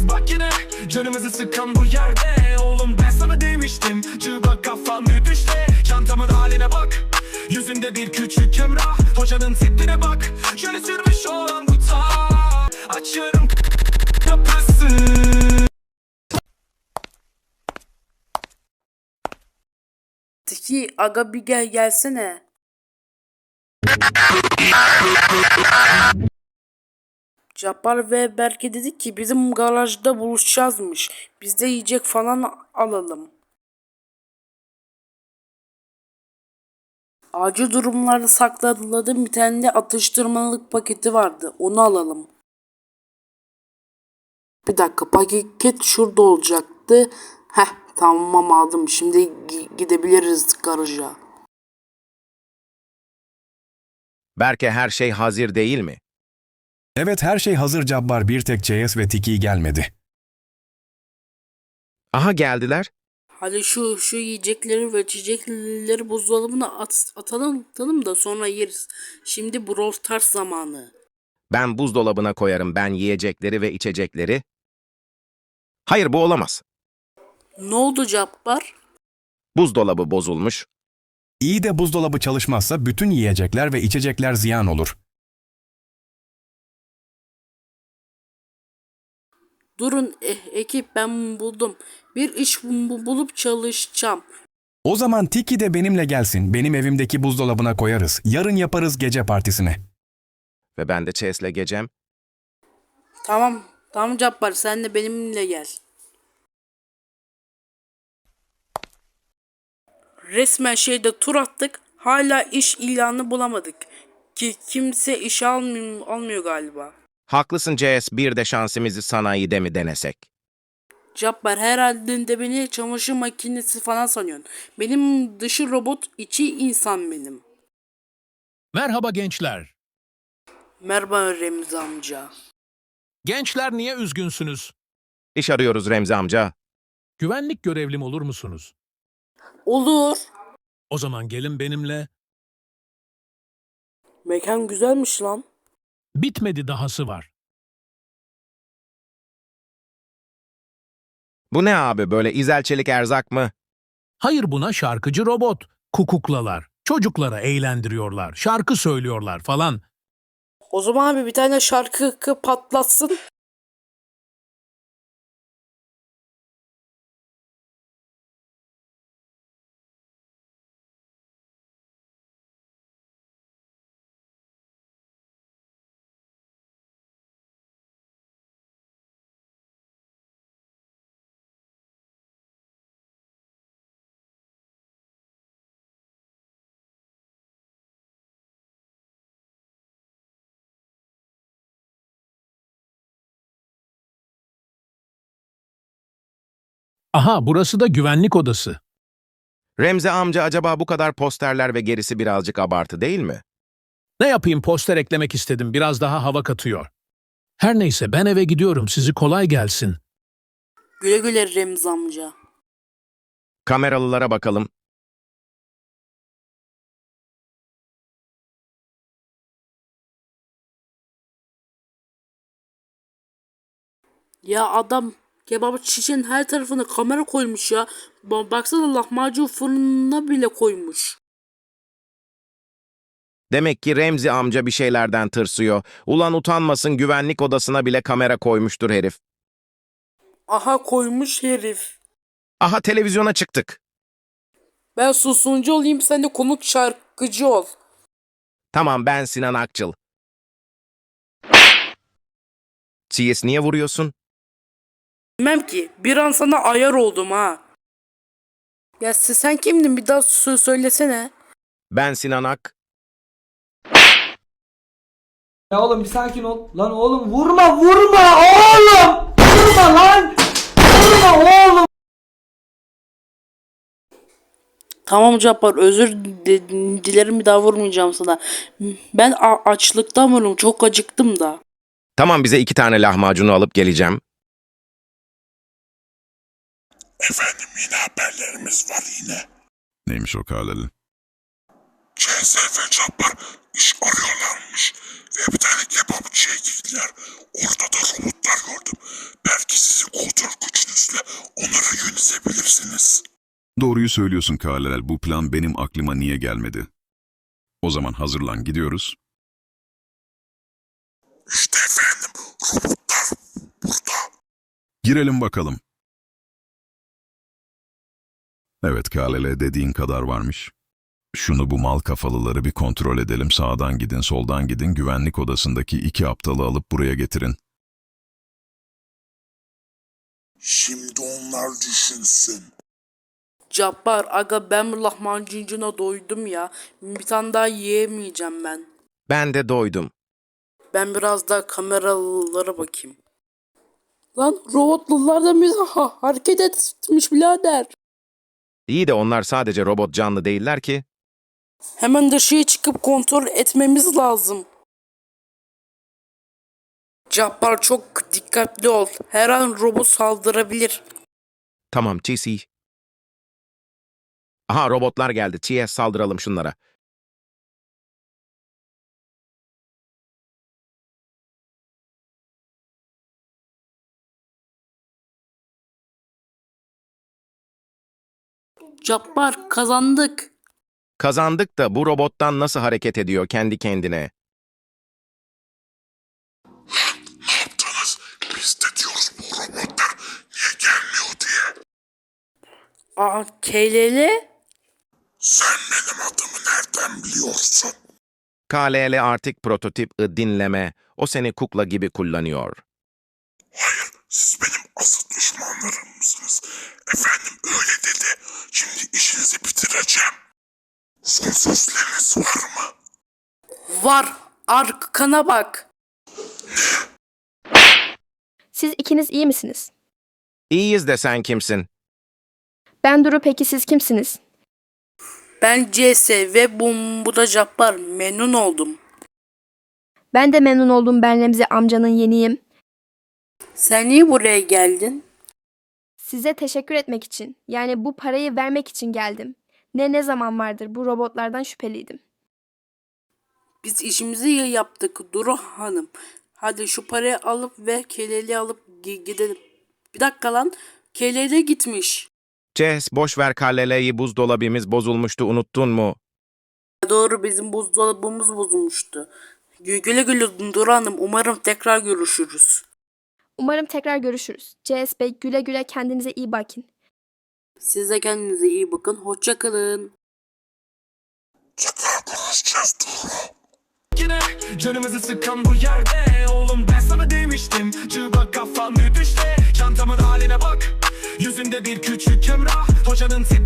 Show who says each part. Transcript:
Speaker 1: biz bak yine canımızı sıkan bu yerde. Oğlum ben sana demiştim, çığba kafan düşte. Çantamın haline bak, yüzünde bir küçük emrah. Hocanın tipine bak, şöyle sürmüş olan bu ta. Açıyorum kapısı.
Speaker 2: Tiki aga bir gelsene. Cabbar ve Berke dedi ki bizim garajda buluşacağızmış. Biz de yiyecek falan alalım. Acil durumlarda sakladığım bir tane de atıştırmalık paketi vardı. Onu alalım. Bir dakika, paket şurada olacaktı. Heh, tamam aldım. Şimdi gidebiliriz garaja.
Speaker 3: Berke, her şey hazır değil mi?
Speaker 4: Evet, her şey hazır Cabbar, bir tek CS ve Tiki gelmedi.
Speaker 3: Aha, geldiler.
Speaker 2: Hadi şu yiyecekleri ve içecekleri buzdolabına atalım da sonra yeriz. Şimdi Brawl Stars zamanı.
Speaker 3: Ben buzdolabına koyarım ben yiyecekleri ve içecekleri. Hayır, bu olamaz.
Speaker 2: Ne oldu Cabbar?
Speaker 3: Buzdolabı bozulmuş.
Speaker 4: İyi de buzdolabı çalışmazsa bütün yiyecekler ve içecekler ziyan olur.
Speaker 2: Durun ekip, ben buldum. Bir iş bulup çalışacağım.
Speaker 4: O zaman Tiki de benimle gelsin. Benim evimdeki buzdolabına koyarız. Yarın yaparız gece partisini.
Speaker 3: Ve ben de Chase'le gecem.
Speaker 2: Tamam Cabbar, sen de benimle gel. Resmen şeyde tur attık. Hala iş ilanı bulamadık. Ki kimse iş almıyor galiba.
Speaker 3: Haklısın CS, bir de şansımızı sanayide mi denesek?
Speaker 2: Cabbar, herhalde de beni çamaşır makinesi falan sanıyorsun. Benim dışı robot, içi insan benim.
Speaker 5: Merhaba gençler.
Speaker 2: Merhaba Remzi amca.
Speaker 5: Gençler, niye üzgünsünüz?
Speaker 3: İş arıyoruz Remzi amca.
Speaker 5: Güvenlik görevlim olur musunuz?
Speaker 2: Olur.
Speaker 5: O zaman gelin benimle.
Speaker 2: Mekan güzelmiş lan.
Speaker 5: Bitmedi, dahası var.
Speaker 3: Bu ne abi, böyle İzel Çelik erzak mı?
Speaker 5: Hayır, buna şarkıcı robot. Kukuklalar. Çocuklara eğlendiriyorlar. Şarkı söylüyorlar falan.
Speaker 2: O zaman abi bir tane şarkı patlatsın.
Speaker 5: Aha, burası da güvenlik odası.
Speaker 3: Remzi amca, acaba bu kadar posterler ve gerisi birazcık abartı değil mi?
Speaker 5: Ne yapayım, poster eklemek istedim. Biraz daha hava katıyor. Her neyse, ben eve gidiyorum. Sizi kolay gelsin.
Speaker 2: Güle güle Remzi amca.
Speaker 3: Kameralılara bakalım.
Speaker 2: Ya adam kebap şişenin her tarafına kamera koymuş ya. Baksana, lahmacun fırınına bile koymuş.
Speaker 3: Demek ki Remzi amca bir şeylerden tırsıyor. Ulan utanmasın, güvenlik odasına bile kamera koymuştur herif.
Speaker 2: Aha, koymuş herif.
Speaker 3: Aha, televizyona çıktık.
Speaker 2: Ben susuncu olayım, sen de konuk şarkıcı ol.
Speaker 3: Tamam, ben Sinan Akçıl. CS, niye vuruyorsun?
Speaker 2: Bilmem ki, bir an sana ayar oldum ha. Ya sen kimdin, bir daha söylesene.
Speaker 3: Ben Sinan Ak.
Speaker 6: Ya oğlum bir sakin ol. Lan oğlum vurma vurma oğlum. Vurma lan. Vurma oğlum.
Speaker 2: Tamam Cabbar, özür dilerim, bir daha vurmayacağım sana. Ben açlıktan vururum, çok acıktım da.
Speaker 3: Tamam, bize 2 tane lahmacunu alıp geleceğim.
Speaker 7: Efendim, yine haberlerimiz var yine.
Speaker 4: Neymiş o Karleli?
Speaker 7: CS ve Cabbar iş arıyorlarmış. Ve bir tane kebapçıya gittiler. Orada da robotlar gördüm. Belki sizin kontrol gücünüzle onları yönetebilirsiniz.
Speaker 8: Doğruyu söylüyorsun Kalel. Bu plan benim aklıma niye gelmedi? O zaman hazırlan, gidiyoruz.
Speaker 7: İşte efendim, robotlar burada.
Speaker 8: Girelim bakalım. Evet Kalele, dediğin kadar varmış. Şunu, bu mal kafalıları bir kontrol edelim. Sağdan gidin, soldan gidin. Güvenlik odasındaki 2 aptalı alıp buraya getirin.
Speaker 7: Şimdi onlar düşünsün.
Speaker 2: Cabbar aga ben bu lahmacuncuna doydum ya. Bir tane daha yiyemeyeceğim ben.
Speaker 3: Ben de doydum.
Speaker 2: Ben biraz daha kameralara bakayım. Lan robotlular da bize hareket etmiş birader.
Speaker 3: İyi de onlar sadece robot, canlı değiller ki.
Speaker 2: Hemen dışarıya çıkıp kontrol etmemiz lazım. Cabbar çok dikkatli ol. Her an robot saldırabilir.
Speaker 3: Tamam TC. Aha, robotlar geldi. TS, saldıralım şunlara.
Speaker 2: Cabbar kazandık.
Speaker 3: Kazandık da bu robottan nasıl hareket ediyor kendi kendine?
Speaker 7: Ne yaptınız? Biz de diyoruz bu robotlar niye gelmiyor diye.
Speaker 2: Aa KLL?
Speaker 7: Sen benim adımı nereden biliyorsun?
Speaker 3: KLL artık prototip dinleme. O seni kukla gibi kullanıyor.
Speaker 7: Hayır, siz benim asıl düşmanlarımsınız. Efendim öyle dedi. Şimdi işinizi bitireceğim. Son sözleriniz var mı?
Speaker 2: Var. Arkana bak.
Speaker 9: Siz ikiniz iyi misiniz?
Speaker 3: İyiyiz de sen kimsin?
Speaker 9: Ben Duru, peki siz kimsiniz?
Speaker 2: Ben CS ve bu da Cabbar. Memnun oldum.
Speaker 9: Ben de memnun oldum, ben Remzi amcanın yeniyim.
Speaker 2: Sen niye buraya geldin?
Speaker 9: Size teşekkür etmek için, yani bu parayı vermek için geldim. Ne zaman vardır bu robotlardan şüpheliydim.
Speaker 2: Biz işimizi iyi yaptık Duru Hanım. Hadi şu parayı alıp ve KLL'yi alıp gidelim. Bir dakika lan. KLL gitmiş.
Speaker 3: Ces, boş ver KLL'yi, buzdolabımız bozulmuştu, unuttun mu?
Speaker 2: Doğru, bizim buzdolabımız bozulmuştu. Güle güle Duru Hanım. Umarım tekrar görüşürüz.
Speaker 9: Umarım tekrar görüşürüz. CS Bey, güle güle, kendinize iyi bakın.
Speaker 2: Siz de kendinize iyi bakın. Hoşça kalın.
Speaker 7: Tekrar konuşacağız Duru.
Speaker 1: Yine canımızı sıkan bu yerde. Oğlum ben sana demiştim, cıvak kafan düşte. Çantamın haline bak, yüzünde bir küçük emrah. Hocanın